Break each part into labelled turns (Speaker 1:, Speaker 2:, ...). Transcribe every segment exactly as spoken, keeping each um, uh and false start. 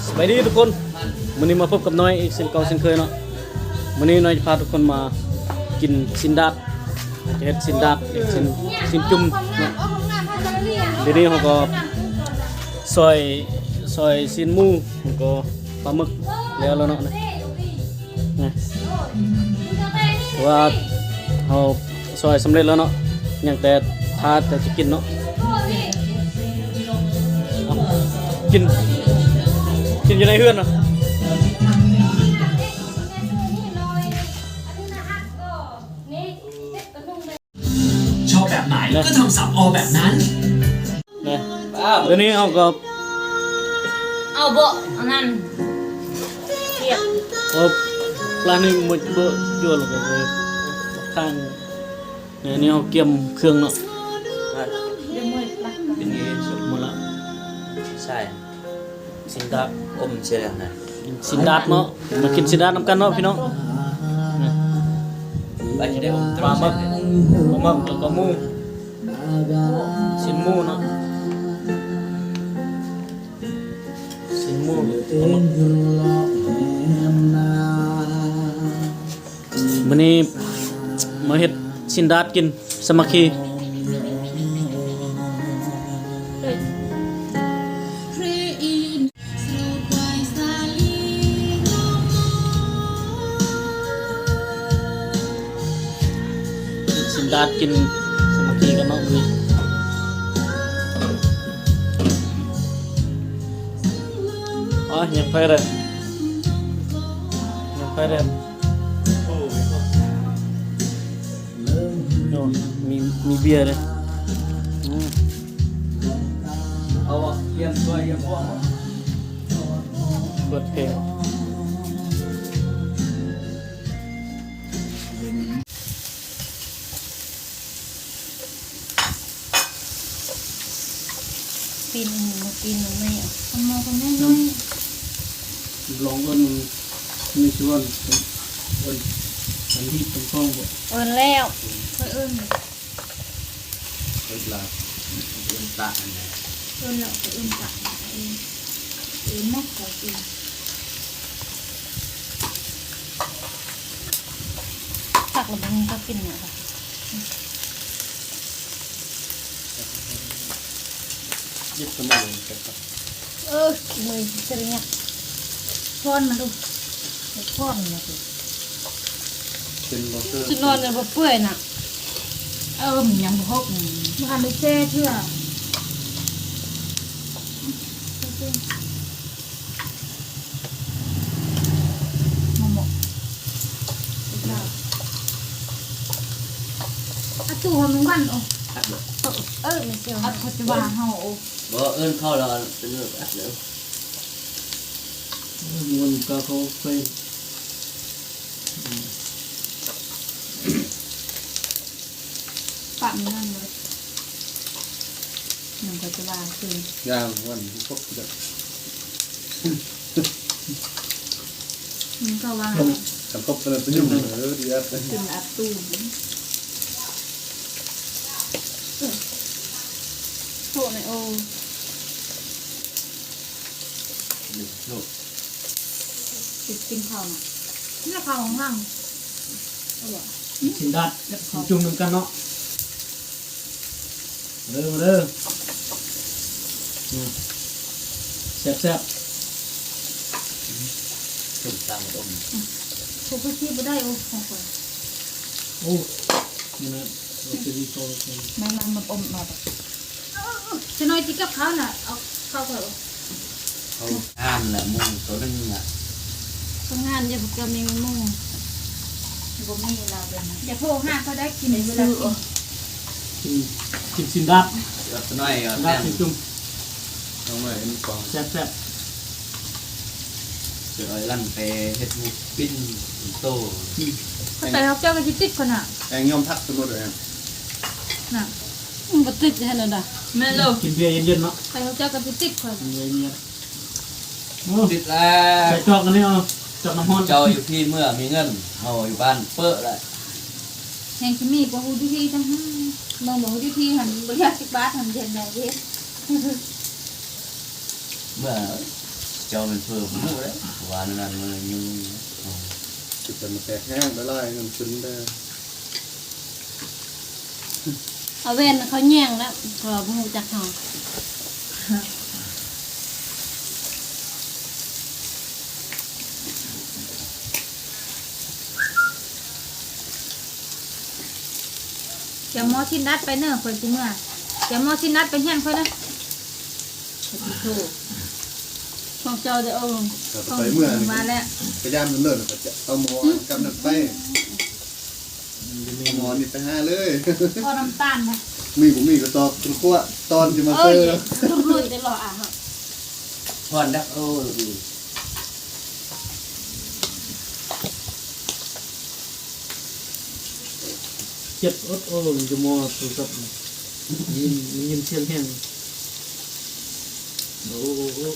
Speaker 1: สวัสดีทุกคนวันนี้มาพบกับน้อยอีกเช่นเก่าเช่นเคยเนาะวันนี้น้อยจะพาทุกคนมากินซินดาดจะเฮ็ดซินดาดเด็กซินซินจุ่มเนาะเดี๋ยวนี้เขาก็ซอยซอยซินหมูแล้วก็ปลาหมึกแล้วแล้วเนาะนะนะว่าเขาซอยสำเร็จแล้วเนาะอย่างแต่ทาแต่จะกินเนาะกินกินอยู่ในเฮือนเนาะ
Speaker 2: ชอบแบบไหนก็ทำสับออแบบนั้น
Speaker 1: นะเดี๋ยวนี้เอาก็
Speaker 3: เอาโบอันนั้นเทียบ
Speaker 1: เอาปลานี่มันเบอะเยอะเลยก็เลยข้างเนี่ยนี่เอาเกี่ยมเครื่องเนาะ
Speaker 3: เดี๋ยวมือปลัก
Speaker 4: เป็นไงสุด
Speaker 1: หมดละ
Speaker 4: ใช่
Speaker 1: สินดาด
Speaker 4: อมเชียร์นะ
Speaker 1: กินสินดาดเนาะมากินสินดาดนำกันเนาะพี่น้อง
Speaker 4: ไปจะได้อมต
Speaker 1: ป
Speaker 4: ร
Speaker 1: ลาง หมึกปลาหมึกแล้วก็หมูสินหมูเนาะสินหมูปลาหมึกวันนี้มาเฮ็ดสินดาดกินสามัคคีสินดาดกินสามัคคีกันเนาะวันนี้อ๋อยังไปเลยยังไปเลยโอ้มีมีเบียร์เลย
Speaker 4: เอาเยี่ยมตัวเยี่ยมพวก
Speaker 1: เปิดเพลง
Speaker 3: ปีนมาปีนมันไม่เอาทำมาคนแม่น้อย
Speaker 1: ลองกันมีชวนวันวันที่ตรงกล้องบ่
Speaker 3: เอินแล้วเคยเอิน
Speaker 4: เวลาเล่นตาอันไหน
Speaker 3: เอินแล้วเคยเอินตักเอินเอินแม่ขอกินตักแล้วมันก็กินเนี่ยค่ะ
Speaker 1: ยึดสมองกันครับ
Speaker 3: เออมือจะเรียกพ่อนมาดูพ่อนมาดู
Speaker 1: เป็นมอเตอร์
Speaker 3: จะนอนจะเปื่อยน่ะเออมันยังพกมันไม่แช่เชื่อมาหมกอาตู้ทำมันวันโอ้เออไม่เชื่ออาเขาจะว่าเฮาโอ้
Speaker 4: บ่เอิ้นเข้าแล้วเป็นเรื่องอัดเดี๋ยว
Speaker 1: มันก็เขาไป
Speaker 3: ปะมันนั่นเลยมันก็จะว่าคือย่าง
Speaker 1: วันพวกจะ
Speaker 3: มันก็ว่า
Speaker 1: ทำครบเป็นประโยชน์เลยดีอ่ะ
Speaker 3: ถึงอัดตู้โถในโอ
Speaker 4: ลูก
Speaker 3: ติดกินข้าวน่ะนี่ข้าวของห้างเอาบ่
Speaker 1: สินดาดจุ่มน้ำกันเนาะเด้อเด้อแซ่บแซ่บ
Speaker 4: จุ่มตามอม
Speaker 3: พวกพี่บ่ได้โอ้ของข่อย
Speaker 1: โอ้นี่นะเราจะดีโตเลย
Speaker 3: แม่มันมันอมมาแบบจะน้อยจิกับข้าวน่ะเอาข้าวข่อย
Speaker 4: เขาอ่านแหละมุงตัวนึงอ่ะ
Speaker 3: ทำงานอย่าบ่เกินมีมุ่งบ่มีเราเป็นอย่าโทรหาเขาได้กินเวลากิน
Speaker 1: กินกินสินดาด
Speaker 4: เดี๋ยวน้อยเอา
Speaker 1: ดา
Speaker 4: แต้
Speaker 1: ด
Speaker 4: ม
Speaker 1: สิจุ่ม
Speaker 4: น้องหน่อยเป็นกอง
Speaker 1: แซ่บแซ่บ
Speaker 4: เดี๋ยวลั่นไปเฮ็ดมุกปิ้นโต
Speaker 3: เขาแต่เขาเจ้าก็สิติดคนน่ะ
Speaker 5: แองยอมพักสมมติเลย
Speaker 3: น่ะมันบ่ติดให้นั่นน่ะแม่ลูก
Speaker 1: กินเบียร์เย็นๆเนาะ
Speaker 3: แต่เขาเจ้าก็สิติดคน
Speaker 1: กินเบียร์เย็นโอ้
Speaker 4: ติดแล้ว
Speaker 1: ใส่จอกกันนี่เอาจอกน้ำมัน
Speaker 4: เจ้าอยู่พี่เมื่อมีเงินเฮาอยู่บ้านเปิ้ลแหละ
Speaker 3: แห่งสิมีบ่ฮู้ที่ทั้งห้าบางบ่ฮู้ที่หันบ่อยากสิบบาทหันเย็นได้เด้
Speaker 4: เมื่อเจ้ามันเพิ่มหมูแล้ววานนั้นมันยุ่ง
Speaker 5: จุดแต่มันแตกแห้งได้ไล่เงินซึ้งได้
Speaker 3: เอาเว้นเขาแย่งแล้วก็บ่ฮู้จักเฮาเดี๋ยวหมอชินนัดไปเนอะคนสิเมื่อเดี๋ยวหมอชินนัดไปเฮียนค่อยนะถูกของเจ้าเด้อเอา
Speaker 5: แต่ไปเมื่อนี่
Speaker 3: มาแล้ว
Speaker 5: พยายามเนิ่นๆก็จะเอาหมอนกำนัดไปเอาหมอนนี่ไปห้าเลย
Speaker 3: พอน้ำตาลนะ
Speaker 5: มีผมมีก็ตอบคุณขั้วตอนจะมา
Speaker 3: เอ้
Speaker 5: เจ
Speaker 3: ย
Speaker 5: อ
Speaker 3: รุ่นรุ่นได้หรออ่ะ
Speaker 4: พอนดักโอ้ดี
Speaker 1: เจ็บอดโอ้ยจะมัวตัวสับยินยินเสียงแห้งโอ้โห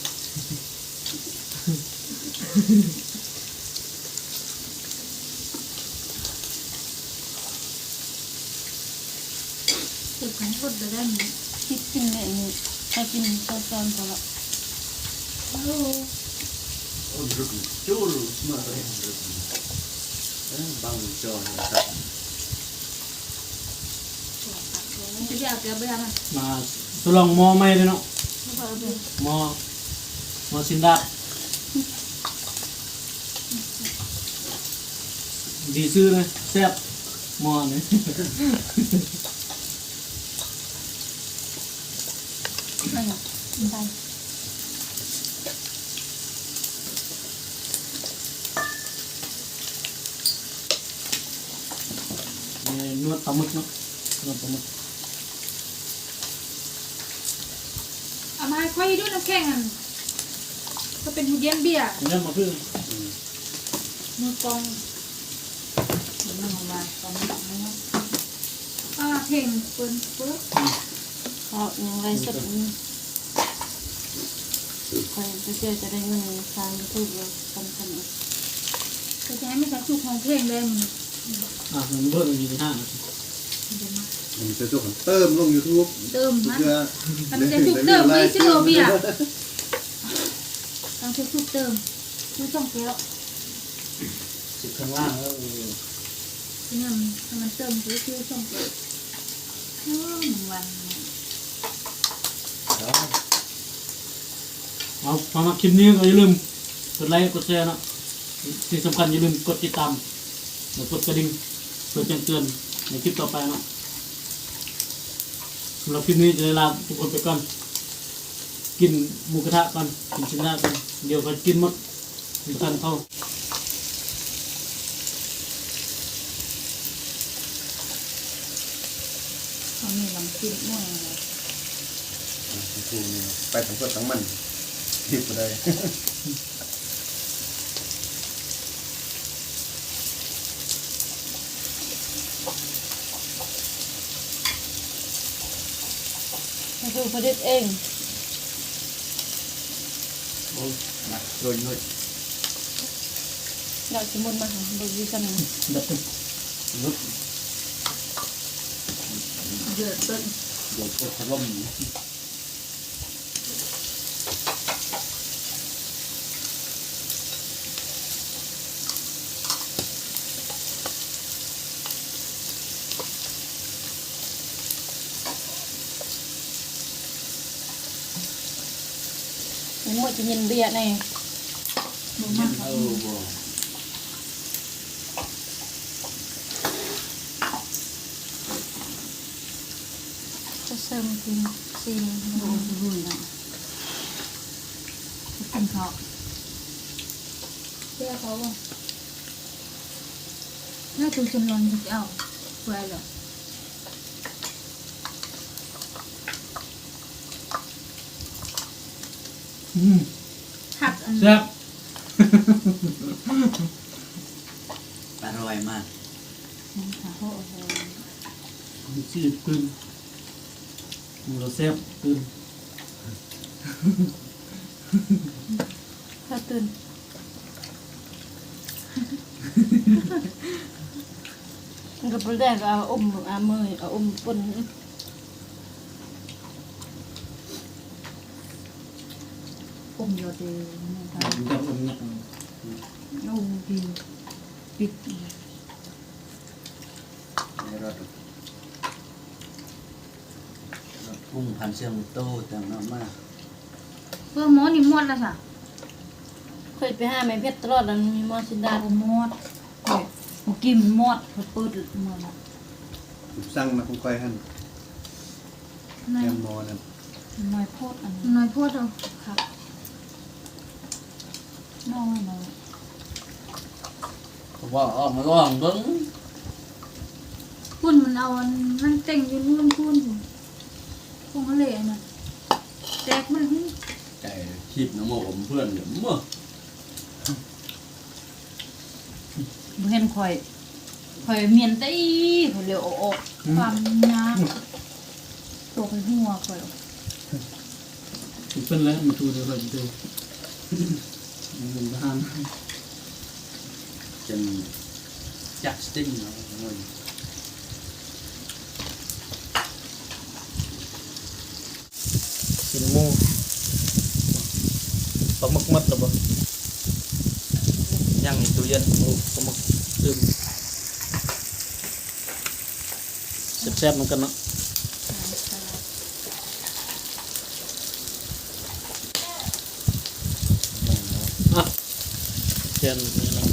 Speaker 3: เก็บของคนไปได้ไหมคิดกินเนี่ยนี่ถ้ากินตอนตอนก็ละ
Speaker 5: โอ้ดึกจู้มาเลยดึกบังจอนะครับ
Speaker 3: จะอยากจะไปทำอะไร
Speaker 1: มาทดลองหมอใหม่เลยเนาะ
Speaker 3: ไม่พอเลย
Speaker 1: หมอหมอสินดาดีซื้อเลยแซ่บหมอนี่
Speaker 3: ไม่หรอกไม่ได้
Speaker 1: นวดปลาหมึกเนาะนวดปลาหมึก
Speaker 3: เอามาให้ค่อยด้วยน้ำแข็งอ่ะก็เป็นหูเย็นเบียร์
Speaker 1: เนี่ยมาเพื่อ
Speaker 3: มือกองมันออกมาตอนนี้อ่าเพ่งเปิ้นเปิ้นก็ยังไรสักนี้ใครจะเจอจะได้เงินทางยูทูบเลยกันกันอีกก็จะให้ไม่ใช่สุกของเพลงเลยมัน
Speaker 1: อ่ะมันเบิ่งอยู่ในห้าง
Speaker 5: มันจะตัวของเติมลงยูทูบ
Speaker 3: เติมมัน
Speaker 5: เพื่อ
Speaker 3: มันจะถูกเติมไม่ใช่โรเบียต้องถูกเติมคือช่องเกลียว
Speaker 4: สิข้างล่างแล้ว
Speaker 3: ที่นี่มันมันเติมคือคือช่องเกลียวอืมวัน
Speaker 1: เอาพอมาคลิปนี้ก็อย่าลืมกดไลค์กดแชร์เนาะที่สำคัญอย่าลืมกดติดตามแล้วกดกระดิ่งเพื่อแจ้งเตือนในคลิปต่อไปเนาะสำหรับคลิปนี้จะได้ลาทุกคนไปก่อนกินหมูกระทะกันกินชิ้นหน้ากันเดี๋ยวก็กินหมดมีกันเข้า
Speaker 3: เขามีลำจิ้มม่วงเลย
Speaker 5: ไปทั้งตัวทั้งมันทิพย์ก็ได้
Speaker 3: นี่คือผลิตเอง
Speaker 4: โอ้มาโดนเลย
Speaker 3: เราสมุนมาหาบริษัท
Speaker 1: ดับ
Speaker 4: ลุก
Speaker 3: เดือดต้น
Speaker 4: โดนกดถล่ม
Speaker 3: มันหมดจะยินเบียร์ในบุ้มาก
Speaker 4: เออบ่
Speaker 3: จะเสริมกินซีนโอ้โหนะกินเขาเบียร์เขาบ่น่าจะจำลองจะเอาไว้เลย
Speaker 1: อืม
Speaker 3: หักอัน
Speaker 1: แซ่บ
Speaker 4: อร่อยมาก
Speaker 3: ขาโอ้โห
Speaker 1: มีชีพขึ้นหมูเราแซ่บขึ้น
Speaker 3: ข้าตื่นมันก็เป็นแรกเอาอมเอามือเอาอมปนอมโยเดนี่ค่ะ
Speaker 1: มันจะอุ่นเนี่ย
Speaker 3: โอ้ดีปิด
Speaker 5: ในรถรถพุ่งพันเชียงโตแต่งน้ำมาก
Speaker 3: เพื่อหมอนี่หมดแล้วค่ะ
Speaker 6: เคยไปหาแม่เพชรตลอดแล้วมีมอสินดา
Speaker 3: ดาหมดเฮ้ยเมื่อกี้มันหมดเขาเปิดหมดแล้ว
Speaker 5: สั่งมาคุ้มก้อยหัน
Speaker 3: น้อย
Speaker 5: แอมมอนั่น
Speaker 3: น้อยโพดอันนี้
Speaker 6: น้อยพูดเอา
Speaker 3: ครับน้อยน้อย
Speaker 5: เขาว่าออกมาก่อนเบิ้ง
Speaker 6: พุ่นมันเอาอันมันเต็งอยู่นู่นพุ่นพุ่นคงเขาเลยน่ะแตกมันหึ
Speaker 5: ไก่คิดน้ำโมผมเพื่อนเดี๋ยวมั่ว
Speaker 3: บ่เห็นข่อยข่อยเมียนตีข่อยเร็วออกความยากตัวไปหัวข่อย
Speaker 1: เป็นแล้วมันดูเดี๋ยวเราจะดูมันบ้าน
Speaker 5: จนจักสติ้งเนาะมัน
Speaker 1: กินหมูปลาหมึกมัดหรือเปล่าย่างในตู้เย็นโอ้ปลาหมึกดื่มแซ่บๆเหมือนกันเนาะอ่ะเทียนนี่นะ